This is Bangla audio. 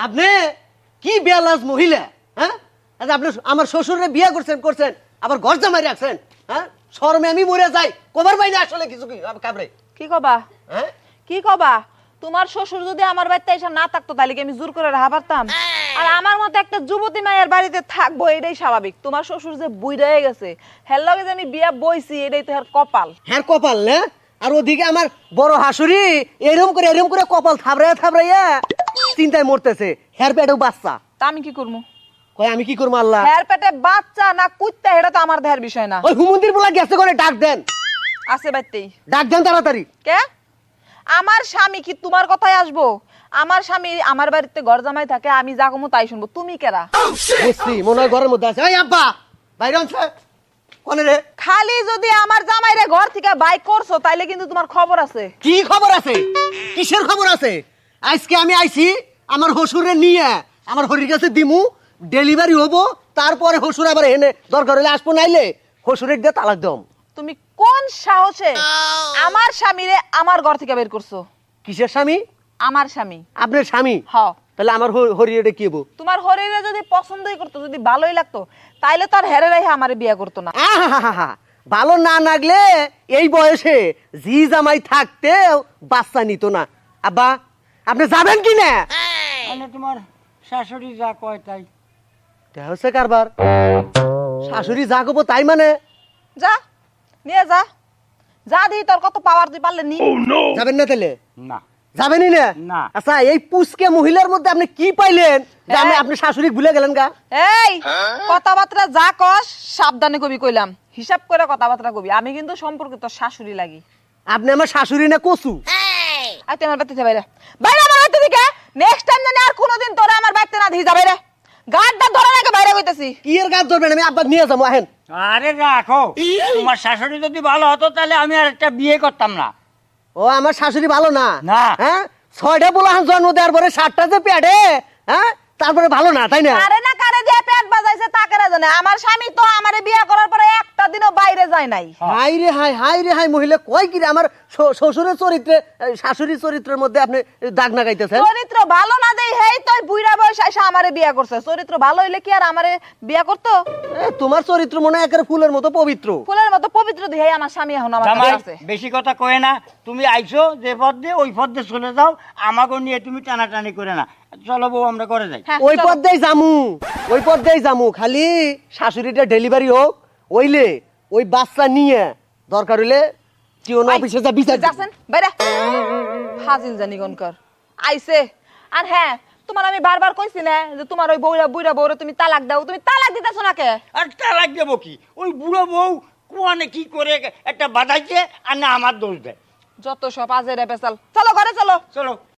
আপনি কি বেলাজ মহিলা, হ্যাঁ? আচ্ছা, আপনি আমার শ্বশুরে বিয়ে করছেন আবার ঘর জামাই রাখছেন, হ্যাঁ? শরমে আমি মরে যাই, কবার পাই না আসলে কিছু কি কাবরে, কি কবা? হ্যাঁ? কি কবা? তোমার শ্বশুর যদি আমার বাড়িতে এসে না থাকতো তাহলে কি আমি জোর করে রাখা পারতাম? আর আমার মতো একটা যুবতী মায়ের বাড়িতে থাকবো এটাই স্বাভাবিক। তোমার শ্বশুর যে বুইড়া হয়ে গেছে, হের লগে যে আমি বিয়া বইছি এটাই তো হের কপাল। হ্যাঁ কপাল না? আর ওদিকে আমার বড় হাসুরি এরম করে কপাল থাবড়াইয়া চিন্তায় মরতেছে, হের পেটেও বাচ্চা। তা আমি কি করবো? কয় আমি কি করবো আল্লাহ? হের পেটে বাচ্চা না কুত্তা এটা তো আমার দেহের বিষয় না। ওই হুমন্দির বলা গেছে করে ডাক দেন, আছে বাইতেই। ডাক দেন তাড়াতাড়ি। কে? আমার স্বামী কি তোমার কথায় আসবো? আমার স্বামী আমার বাড়িতে ঘর জামাই থাকে, আমি যা কমু তাই শুনবো। তুমি কেরা? বুঝছি, মনে হয় ঘরের মধ্যে আছে। এই আব্বা বাইরে আনছে কোনে রে? খালি যদি আমার জামাইরে ঘর থেকে বাইক করছো তাইলে কিন্তু তোমার খবর আছে। কি খবর আছে? কিসের খবর আছে? আজকে আমি আইছি আমার হসুরে নিয়ে আমার হরির কাছে দিমু, ডেলিভারি হবো, তারপরে হসুর আবার এনে দরকার হলে আসবো, নাইলে হসুরের দিয়ে তালাক দম। তুমি কোন সাহসে আমার স্বামীরে আমার ঘর থেকে বের করছো? কিসের স্বামী? আমার স্বামী। আপনার স্বামী? হ। তাহলে আমার হরি এটা কি হবো? তোমার হরিরে যদি পছন্দই করতো, যদি ভালোই লাগতো, তাইলে তার হেরে রেখে আমারে বিয়ে করতো না। আহা, ভালো না লাগলে এই বয়সে জি জামাই থাকতেও বাচ্চা নিত না। আব্বা আপনি যাবেন কি না? মানে তোমার শাশুড়ি যা কয় তাই। এটা হচ্ছে কারবার, শাশুড়ি যা করবো তাই মানে? যা নিয়ে যা, যা দি তোর কত পাওয়ার তুই পারলে নি। যাবেন না তাহলে? না যাবেনই না? না। আচ্ছা, এই পুচকে মহিলার মধ্যে আপনি কি পাইলেন যে আমি এই। আপনি শাশুড়ি ভুলে গেলেন গা? এই কথাবার্তা যা কস সাবধানে কবি, কইলাম হিসাব করে কথাবার্তা কবি। আমি কিন্তু সম্পর্কে তোর শাশুড়ি লাগি। আপনি আমার শাশুড়ি না কচু? আর তুই আমার বাড়িতে যা, বাইরে বাইরে আমার বাড়িতে থেকে। নেক্সট টাইম জানি আর কোনোদিন তোরা আমার বাড়িতে না দিয়ে যা, বাইরে গাড়টা ধরে রাখে বাইরে কইতাছি। কি এর গাছ ধরবেন? আমি আব্বা নিয়ে যাবো, আহেন। আরে রাখো, তোমার শাশুড়ি যদি ভালো হতো তাহলে আমি আর একটা বিয়ে করতাম না। ও আমার শাশুড়ি ভালো না? না। হ্যাঁ, 6টা পোলাহান জন্ম দেওয়ার পরে 7টা যে পেটে, হ্যাঁ, তারপরে ভালো না, তাই না? কারে না কারে দিয়ে পেট বাজাইছে তা কারে জানে। আমার স্বামী তো আমারে বিয়ে করার পরে একটা দিনও বাইরে যায় নাই। হাই রে হাই, মহিলা কয় কি রে? আমার শ্বশুরের চরিত্রে শাশুড়ির চরিত্রের মধ্যে আপনি দাগ না গাইতেছেন। চরিত্র ভালো না দেই হেই তুই বুইড়া বয়স এসে আমারে বিয়ে করছে। চরিত্র ভালো হইলে কি আর আমারে বিয়ে করতো? তোমার চরিত্র মনে হয় একেবারে ফুলের মতো পবিত্র। ফুলের মতো পবিত্র দেহে আমার স্বামী এখন আমার জামাই কাছে আছে। বেশি কথা কয়ে না, তুমি আইছো যে পথ দিয়ে ওই পথ দিয়ে চলে যাও, আমাকে নিয়ে তুমি টানাটানি করে না। চলো বউ আমরা করে যাই। হ্যাঁ, ওই চলো। পথ দিয়ে জামু, খালি শাশুড়িটা ডেলিভারি হোক, ওইলে ওই বাচ্চা নিয়ে দরকার হইলে জীবন অফিসে যা বিচার দিবো। যাচ্ছেন বাইরে ফাজিল জানি গনকর আইছে। আর হ্যাঁ, তোমার আমি বারবার কইছি না যে তোমার ওই বুইড়া বউরে তুমি তালাক দাও। তুমি তালাক দিতেছো না কে? আর তালাক দেবো কি? ওই বুড়ো বউ কোয়ানে কি করে একটা বাধাইছে আর না আমার দোষ দেয়। যত সব আজেরে পেছাল। চলো ঘরে চলো। চলো।